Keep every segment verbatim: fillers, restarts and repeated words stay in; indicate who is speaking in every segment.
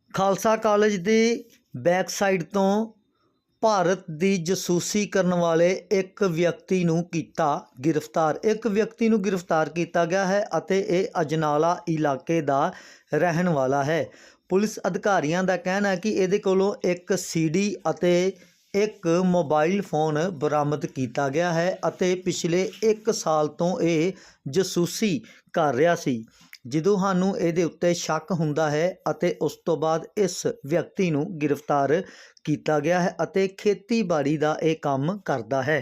Speaker 1: Khalsa college ਦੀ back side ਤੋਂ ਭਾਰਤ ਦੀ ਜਸੂਸੀ ਕਰਨ ਵਾਲੇ ਇੱਕ ਵਿਅਕਤੀ ਨੂੰ ਕੀਤਾ ਗ੍ਰਿਫਤਾਰ। ਇੱਕ ਵਿਅਕਤੀ ਨੂੰ ਗ੍ਰਿਫਤਾਰ ਕੀਤਾ ਗਿਆ ਹੈ ਅਤੇ ਇਹ ਅਜਨਾਲਾ ਇਲਾਕੇ ਦਾ ਰਹਿਣ ਵਾਲਾ ਹੈ। ਪੁਲਿਸ ਅਧਿਕਾਰੀਆਂ ਦਾ ਕਹਿਣਾ ਹੈ ਕਿ ਇਹਦੇ ਕੋਲੋਂ ਇੱਕ ਸੀਡੀ ਅਤੇ ਇੱਕ ਮੋਬਾਈਲ ਫੋਨ ਬਰਾਮਦ ਕੀਤਾ ਗਿਆ ਹੈ ਅਤੇ ਪਿਛਲੇ ਇੱਕ ਸਾਲ ਤੋਂ ਇਹ ਜਸੂਸੀ ਕਰ ਰਿਹਾ ਸੀ। ਜਦੋਂ ਸਾਨੂੰ ਇਹਦੇ ਉੱਤੇ ਸ਼ੱਕ ਹੁੰਦਾ ਹੈ ਅਤੇ ਉਸ ਤੋਂ ਬਾਅਦ ਇਸ ਵਿਅਕਤੀ ਨੂੰ ਗ੍ਰਿਫਤਾਰ ਕੀਤਾ ਗਿਆ ਹੈ ਅਤੇ ਖੇਤੀਬਾੜੀ ਦਾ ਇਹ ਕੰਮ ਕਰਦਾ ਹੈ।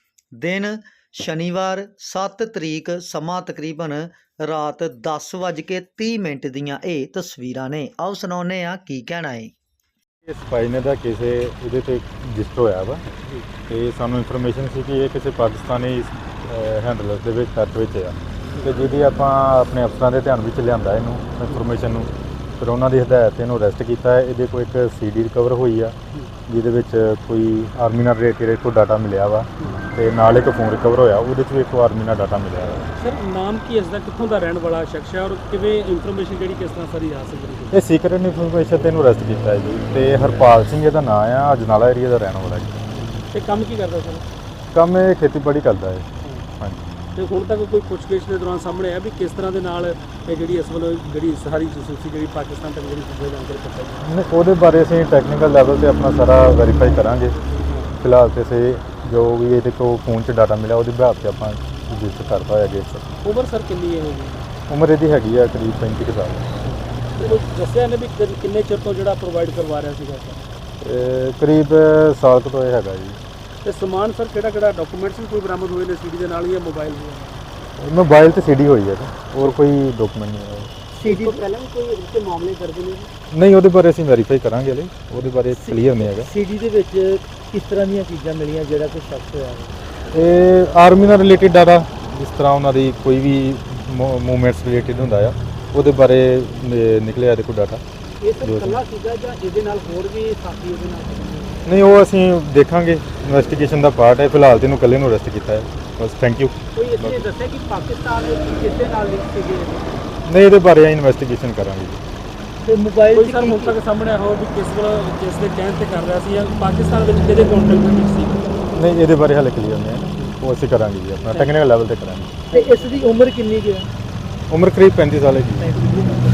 Speaker 1: ਦਿਨ ਸ਼ਨੀਵਾਰ ਸੱਤ ਤਰੀਕ, ਸਮਾਂ ਤਕਰੀਬਨ ਰਾਤ ਦਸ ਵੱਜ ਕੇ ਤੀਹ ਮਿੰਟ ਦੀਆਂ ਇਹ ਤਸਵੀਰਾਂ ਨੇ। ਆਓ ਸੁਣਾਉਂਦੇ ਹਾਂ ਕੀ ਕਹਿਣਾ ਹੈ।
Speaker 2: ਇਸ ਭਾਈ ਨੇ ਦਾ ਕਿਸੇ ਇਹਦੇ ਤੇ ਰਜਿਸਟਰ ਹੋਇਆ ਵਾ ਤੇ ਸਾਨੂੰ ਇਨਫੋਰਮੇਸ਼ਨ ਸੀ ਕਿ ਇਹ ਕਿਸੇ ਪਾਕਿਸਤਾਨੀ ਹੈਂਡਲਰ ਦੇ ਵਿੱਚ ਟੱਚ ਵਿੱਚ ਆ ਤੇ ਜਿਹਦੀ ਆਪਾਂ ਆਪਣੇ ਅਫਸਰਾਂ ਦੇ ਧਿਆਨ ਵਿੱਚ ਲਿਆਂਦਾ ਇਹਨੂੰ ਇਨਫੋਰਮੇਸ਼ਨ ਨੂੰ। ਫਿਰ ਉਹਨਾਂ ਦੀ ਹਦਾਇਤ ਤੇ ਇਹਨੂੰ ਅਰੈਸਟ ਕੀਤਾ ਹੈ। ਇਹਦੇ ਕੋਲ ਇੱਕ ਸੀਡੀ ਰਿਕਵਰ ਹੋਈ ਆ ਜਿਹਦੇ ਵਿੱਚ ਕੋਈ ਆਰਮੀ ਨਾਲ ਰਿਲੇਟਡ ਕੋਈ ਡਾਟਾ ਮਿਲਿਆ ਵਾ ਤੇ ਨਾਲ ਇੱਕ ਫੋਨ ਰਿਕਵਰ ਹੋਇਆ, ਉਹਦੇ 'ਚ ਵੀ ਇੱਕ ਆਰਮੀ ਨਾਲ ਡਾਟਾ ਮਿਲਿਆ ਵਾ।
Speaker 3: ਸਰ ਨਾਮ ਕੀ ਇਸ ਦਾ, ਕਿੱਥੋਂ ਦਾ ਰਹਿਣ ਵਾਲਾ ਸ਼ਖਸ ਹੈ ਔਰ ਕਿਵੇਂ ਇਨਫੋਰਮੇਸ਼ਨ ਜਿਹੜੀ ਕਿਸ ਤਰ੍ਹਾਂ ਸਾਰੀ ਹਾਸਲ ਕੀਤੀ?
Speaker 2: ਇਹ ਸੀਕ੍ਰੇਟ ਇਨਫੋਰਮੇਸ਼ਨ ਤੇ ਇਹਨੂੰ ਅਰੈਸਟ ਕੀਤਾ ਹੈ ਜੀ ਤੇ ਹਰਪਾਲ ਸਿੰਘ ਇਹਦਾ ਨਾਮ ਆ, ਅਜਨਾਲਾ ਏਰੀਆ ਦਾ ਰਹਿਣ ਵਾਲਾ ਜੀ।
Speaker 3: ਇਹ ਕੰਮ ਕੀ ਕਰਦਾ ਸਰ?
Speaker 2: ਕੰਮ ਇਹ ਖੇਤੀਬਾੜੀ ਕਰਦਾ ਹੈ। ਹਾਂਜੀ।
Speaker 3: ਤੇ ਹੁਣ ਤੱਕ ਕੋਈ ਪੁੱਛਗਿੱਛ ਦੇ ਦੌਰਾਨ ਸਾਹਮਣੇ ਆਇਆ ਵੀ ਕਿਸ ਤਰ੍ਹਾਂ ਦੇ ਨਾਲ ਇਹ ਜਿਹੜੀ ਇਸ ਵੱਲੋਂ ਜਿਹੜੀ ਸਾਰੀ ਜਸੂਸੀ ਜਿਹੜੀ ਪਾਕਿਸਤਾਨ ਤੱਕ ਜਿਹੜੀ ਚੀਜ਼ਾਂ ਜਾਣਕਾਰੀ ਪਹੁੰਚਾਈ?
Speaker 2: ਨਹੀਂ, ਉਹਦੇ ਬਾਰੇ ਅਸੀਂ ਟੈਕਨੀਕਲ ਲੈਵਲ ਤੇ ਆਪਣਾ ਸਾਰਾ ਵੈਰੀਫਾਈ ਕਰਾਂਗੇ। ਫਿਲਹਾਲ ਤੇ ਸੇ ਜੋ ਵੀ ਇਹਦੇ ਕੋਲ ਫੋਨ 'ਚ ਡਾਟਾ ਮਿਲਿਆ ਉਹਦੇ ਬਿਹਾਫ 'ਤੇ ਆਪਾਂ ਰਜਿਸਟਰ ਕਰਤਾ ਹੋਇਆ ਕੇਸ।
Speaker 3: ਉਮਰ ਸਰ ਕਿੰਨੀ ਹੈ ਹੋਗੀ?
Speaker 2: ਉਮਰ ਇਹਦੀ ਹੈਗੀ ਆ ਕਰੀਬ ਪੈਂਤੀ ਕੁ ਸਾਲ।
Speaker 3: ਤੇ ਦੱਸਿਆ ਨੇ ਵੀ ਕਿ- ਕਿੰਨੇ ਚਿਰ ਤੋਂ ਜਿਹੜਾ ਪ੍ਰੋਵਾਈਡ ਕਰਵਾ ਰਿਹਾ ਸੀਗਾ ਸਰ?
Speaker 2: ਇਹ ਕਰੀਬ ਸਾਲ ਕੁ ਤੋਂ ਇਹ ਹੈਗਾ ਜੀ।
Speaker 3: ਤੇ ਸਮਾਨ ਸਰ ਕਿਹੜਾ ਕਿਹੜਾ ਡਾਕੂਮੈਂਟਸ ਵੀ ਕੋਈ ਬਰਾਮਦ ਹੋਏ ਨੇ ਸੀਡੀ ਦੇ ਨਾਲ ਜਾਂ ਮੋਬਾਈਲ ਵੀ?
Speaker 2: ਮੋਬਾਈਲ ਤੇ ਸੀਡੀ ਹੋਈ ਹੈ ਹੋਰ ਕੋਈ ਡਾਕੂਮੈਂਟ ਨਹੀਂ ਹੈ।
Speaker 3: ਸੀਡੀ ਤੋਂ ਪਹਿਲਾਂ ਵੀ ਕੋਈ ਇਸ ਤੇ ਮਾਮਲੇ ਦਰਜ ਨੇ?
Speaker 2: ਨਹੀਂ, ਉਹਦੇ ਬਾਰੇ ਅਸੀਂ ਵੈਰੀਫਾਈ ਕਰਾਂਗੇ ਹਲੇ, ਉਹਦੇ ਬਾਰੇ ਕਲੀਅਰ ਨਹੀਂ ਹੈਗਾ।
Speaker 3: ਸੀਡੀ ਦੇ ਵਿੱਚ ਕਿਸ ਤਰ੍ਹਾਂ ਦੀਆਂ ਚੀਜ਼ਾਂ ਮਿਲੀਆਂ ਜਿਹੜਾ ਕੋਈ ਸ਼ੱਕ ਹੋਇਆ ਹੈ?
Speaker 2: ਇਹ ਆਰਮੀ ਨਾਲ ਰਿਲੇਟਡ ਡਾਟਾ, ਜਿਸ ਤਰ੍ਹਾਂ ਉਹਨਾਂ ਦੀ ਕੋਈ ਵੀ ਮੂਵਮੈਂਟਸ ਰਿਲੇਟਡ ਹੁੰਦਾ ਆ ਉਹਦੇ ਬਾਰੇ ਨਿ- ਨਿਕਲਿਆ ਇਹਦੇ ਕੋਲ ਡਾਟਾ।
Speaker 3: ਇਹ ਸਰ ਇਕੱਲਾ ਸੀਗਾ ਜਾਂ ਇਹਦੇ ਨਾਲ ਹੋਰ ਵੀ ਸਾਥੀ ਉਹਦੇ ਨਾਲ?
Speaker 2: ਨਹੀਂ, ਉਹ ਅਸੀਂ ਦੇਖਾਂਗੇ, ਇਨਵੈਸਟੀਗੇਸ਼ਨ ਦਾ ਪਾਰਟ ਹੈ। ਫਿਲਹਾਲ ਤੇ ਇਹਨੂੰ ਇਕੱਲੇ ਨੂੰ ਅਰੈਸਟ ਕੀਤਾ ਹੈ ਬਸ। Thank you.
Speaker 3: ਕੋਈ ਇਸ ਨੇ ਦੱਸਿਆ ਕਿ ਪਾਕਿਸਤਾਨ ਵਿੱਚ ਕਿਸ ਦੇ ਨਾਲ ਲਿੰਕ ਸੀਗੇ?
Speaker 2: ਨਹੀਂ, ਇਹਦੇ ਬਾਰੇ ਇਨਵੈਸਟੀਗੇਸ਼ਨ ਕਰਾਂਗੇ ਜੀ।
Speaker 3: ਤੇ ਮੋਬਾਈਲ ਕੋਈ ਸਰ ਹੁਣ ਤੱਕ ਸਾਹਮਣੇ ਆਇਆ ਹੋ ਵੀ ਕਿਸ ਵੱਲ ਕਿਸ ਦੇ ਕਹਿਣ ਤੇ ਕਰ ਰਿਹਾ ਸੀ ਜਾਂ ਪਾਕਿਸਤਾਨ ਵਿੱਚ ਕਿਹਦੇ ਕੰਟੈਕਟ ਵਿੱਚ ਸੀ?
Speaker 2: ਨਹੀਂ, ਇਹਦੇ ਬਾਰੇ ਹਾਲੇ ਕਲੀਅਰ ਨਹੀਂ ਹੈ, ਉਹ ਅਸੀਂ ਕਰਾਂਗੇ ਜੀ, ਆਪਣਾ ਟੈਕਨੀਕਲ ਲੈਵਲ ਤੇ ਕਰਾਂਗੇ।
Speaker 3: ਤੇ ਇਸ ਦੀ ਉਮਰ ਕਿੰਨੀ ਕੁ ਹੈ?
Speaker 2: ਉਮਰ ਕਰੀਬ ਪੈਂਤੀ ਸਾਲ ਹੈਗੀ।